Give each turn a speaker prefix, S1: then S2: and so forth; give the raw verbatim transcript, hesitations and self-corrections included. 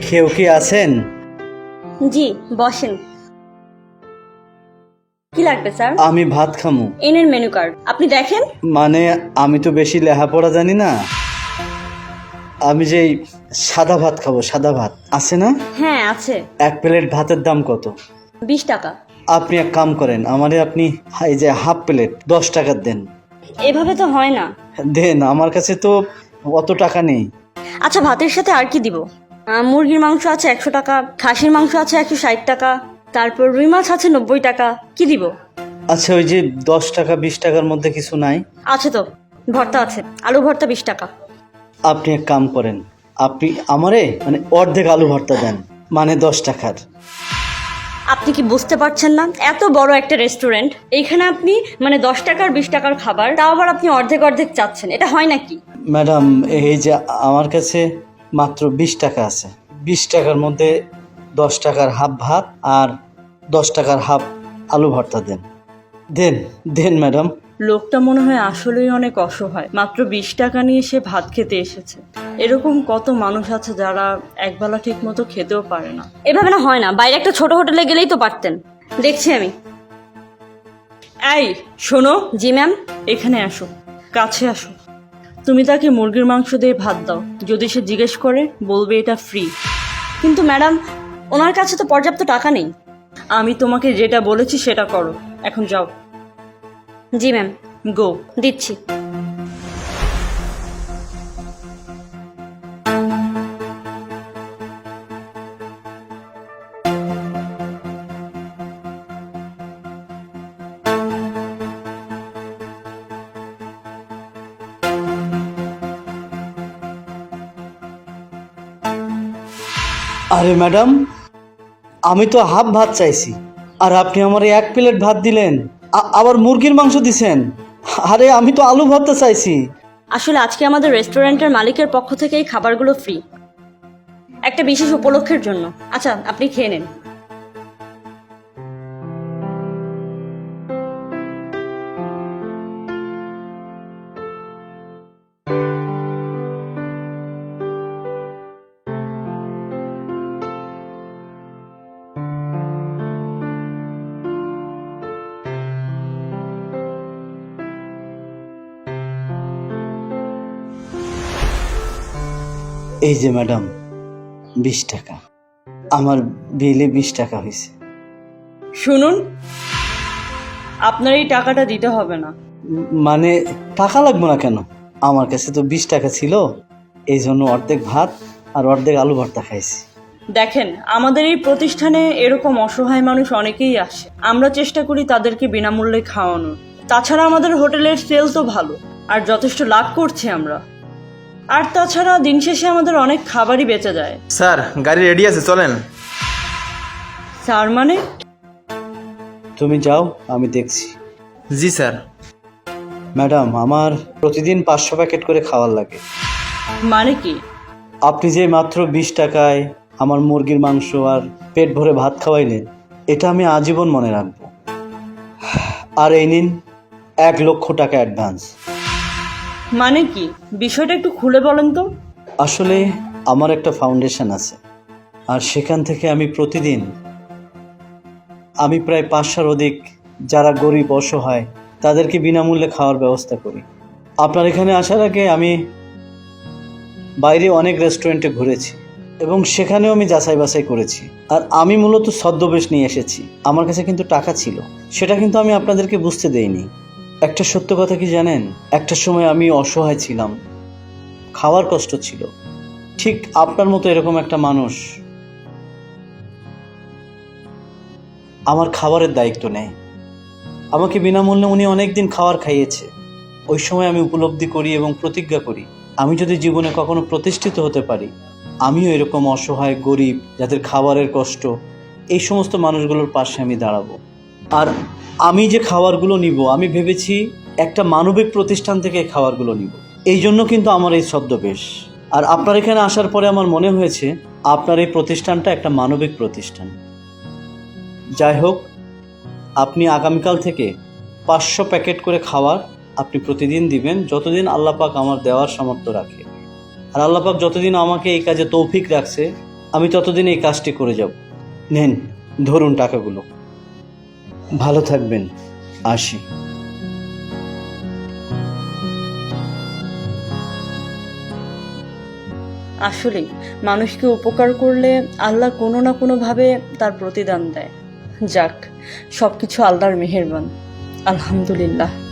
S1: কেউ কি আছেন?
S2: জি বসেন। কি লাগবে স্যার?
S1: আমি ভাত খামু।
S2: এনের মেনু কার্ড আপনি দেখেন।
S1: মানে আমি তো বেশি লেখাপড়া জানি না, আমি যে সাদা ভাত খাবো। সাদা ভাত আছে না?
S2: হ্যাঁ আছে।
S1: এক প্লেট ভাতের দাম কত?
S2: বিশ টাকা।
S1: আপনি এক কাম করেন, আমারে আপনি এই যে হাফ প্লেট দশ টাকার দেন।
S2: এভাবে তো হয় না।
S1: দেন, আমার কাছে তো অত টাকা নেই।
S2: আচ্ছা ভাতের সাথে আর কি দিব? আহ, মুরগির মাংস আছে একশো টাকা, খাসির মাংস আছে একশো ষাট টাকা, তারপর রুই মাছ আছে নব্বই টাকা। কি দিব?
S1: আচ্ছা, ওই যে দশ টাকা বিশ টাকার মধ্যে কিছু নাই?
S2: আছে তো, ভর্তা আছে, আলু ভর্তা বিশ টাকা।
S1: আপনি এক কাম করেন, আপনি আমারে মানে অর্ধেক আলু ভর্তা দেন, মানে দশ টাকার।
S2: আপনি কি বুঝতে পারছেন না? এত বড় একটা রেস্টুরেন্ট, এইখানে আপনি মানে দশ টাকার বিশ টাকার খাবার, তাও আবার আপনি অর্ধেক অর্ধেক চাচ্ছেন, এটা হয় নাকি?
S1: ম্যাডাম, এই যে আমার কাছে মাত্র বিশ টাকা আছে, বিশ টাকার মধ্যে দশ টাকার হাফ ভাত আর দশ টাকার হাফ আলু ভর্তা দেন। দেন দেন ম্যাডাম।
S3: লোকটা মনে হয় আসলেই অনেক অসহায়, মাত্র বিশ টাকা নিয়ে সে ভাত খেতে এসেছে। এরকম কত মানুষ আছে যারা একবেলা ঠিক মতো খেতেও পারে না।
S2: এভাবে না হয় না, বাইরে একটা ছোট হোটেলে গেলেই তো পারতেন। দেখছি আমি।
S3: এই শোনো,
S2: জি ম্যাম।
S3: এখানে আসো, কাছে আসো। তুমি তাকে মুরগির মাংস দিয়ে ভাত দাও, যদি সে জিজ্ঞেস করে বলবে এটা ফ্রি।
S2: কিন্তু ম্যাডাম, ওনার কাছে তো পর্যাপ্ত টাকা নেই।
S3: আমি তোমাকে যেটা বলেছি সেটা করো, এখন যাও।
S2: জি ম্যাম।
S3: গো।
S2: দিচ্ছি।
S1: আরে ম্যাডাম, আমি তো হাফ ভাত চাইছি, আর আপনি আমার এক প্লেট ভাত দিলেন, আ- আবার মুরগির মাংস দিছেন। আরে আমি তো আলু ভর্তা চাইছি।
S2: আসলে আজকে আমাদের রেস্টুরেন্টের মালিকের পক্ষ থেকে এই খাবারগুলো ফ্রি, একটা বিশেষ উপলক্ষের জন্য। আচ্ছা আপনি খেয়ে নেন।
S1: এই যে ম্যাডাম, বিশ টাকা, আমার বিলে বিশ টাকা হয়েছে।
S3: শুনুন, আপনার এই টাকাটা দিতে হবে না।
S1: মানে টাকা লাগবে না কেন? আমার কাছে তো বিশ টাকা ছিল, এই জন্য অর্ধেক ভাত আর অর্ধেক আলু ভর্তা খাইছি।
S3: দেখেন, আমাদের এই প্রতিষ্ঠানে এরকম অসহায় মানুষ অনেকেই আসে, আমরা চেষ্টা করি তাদেরকে বিনামূল্যে খাওয়ানোর। তাছাড়া আমাদের হোটেলের সেল তো ভালো, আর যথেষ্ট লাভ করছি আমরা। আর তাছাড়া দিন শেষে আমাদের অনেক খাবারই বেঁচে যায়।
S4: স্যার, গাড়ি রেডি আছে, চলেন।
S3: স্যার মানে?
S1: তুমি যাও, আমি দেখছি।
S4: জি স্যার।
S1: ম্যাডাম, আমার প্রতিদিন পাঁচশো প্যাকেট করে খাওয়ার লাগে।
S3: মানে কি?
S1: আপনি যে মাত্র বিশ টাকায় আমার মুরগির মাংস আর পেট ভরে ভাত খাওয়াইলেন, এটা আমি আজীবন মনে রাখবো। আর এই নিন এক লক্ষ টাকা অ্যাডভান্স।
S3: মানে কি বিষয়টা একটু খুলে বলেন তো।
S1: আসলে আমার একটা ফাউন্ডেশন আছে, আর সেখান থেকে আমি প্রতিদিন আমি প্রায় পাঁচশোর অধিক যারা গরিব অসহায় তাদেরকে বিনামূল্যে খাওয়ার ব্যবস্থা করি। আপনার এখানে আসার আগে আমি বাইরে অনেক রেস্টুরেন্টে ঘুরেছি এবং সেখানেও আমি যাচাই বাছাই করেছি। আর আমি মূলত ছদ্মবেশ নিয়ে এসেছি, আমার কাছে কিন্তু টাকা ছিল, সেটা কিন্তু আমি আপনাদেরকে বুঝতে দেইনি। একটা সত্য কথা কি জানেন, একটা সময় আমি অসহায় ছিলাম, খাওয়ার কষ্ট ছিল। ঠিক আপনার মতো এরকম একটা মানুষ আমার খাবারের দায়িত্ব নেয়, আমাকে বিনামূল্যে উনি অনেক দিন খাবার খাইয়েছে। ওই সময় আমি উপলব্ধি করি এবং প্রতিজ্ঞা করি, আমি যদি জীবনে কখনো প্রতিষ্ঠিত হতে পারি, আমিও এরকম অসহায় গরিব যাদের খাবারের কষ্ট, এই সমস্ত মানুষগুলোর পাশে আমি দাঁড়াবো। আর আমি যে খাবারগুলো নিব, আমি ভেবেছি একটা মানবিক প্রতিষ্ঠান থেকে এই খাবারগুলো নিব, এই জন্য কিন্তু আমার এই ছদ্মবেশ। আর আপনার এখানে আসার পরে আমার মনে হয়েছে আপনার এই প্রতিষ্ঠানটা একটা মানবিক প্রতিষ্ঠান। যাই হোক, আপনি আগামীকাল থেকে পাঁচশো প্যাকেট করে খাবার আপনি প্রতিদিন দিবেন, যতদিন আল্লাহ পাক আমার দেওয়ার সামর্থ্য রাখে। আর আল্লাহ পাক যতদিন আমাকে এই কাজে তৌফিক রাখছে, আমি ততদিন এই কাজটি করে যাব। নেন, ধরুন টাকাগুলো। ভালো থাকবেন, আসি।
S3: আসলেই মানুষকে উপকার করলে আল্লাহ কোনো না কোনোভাবে তার প্রতিদান দেয়। যাক, সব কিছু আল্লাহর মেহেরবান। আলহামদুলিল্লাহ।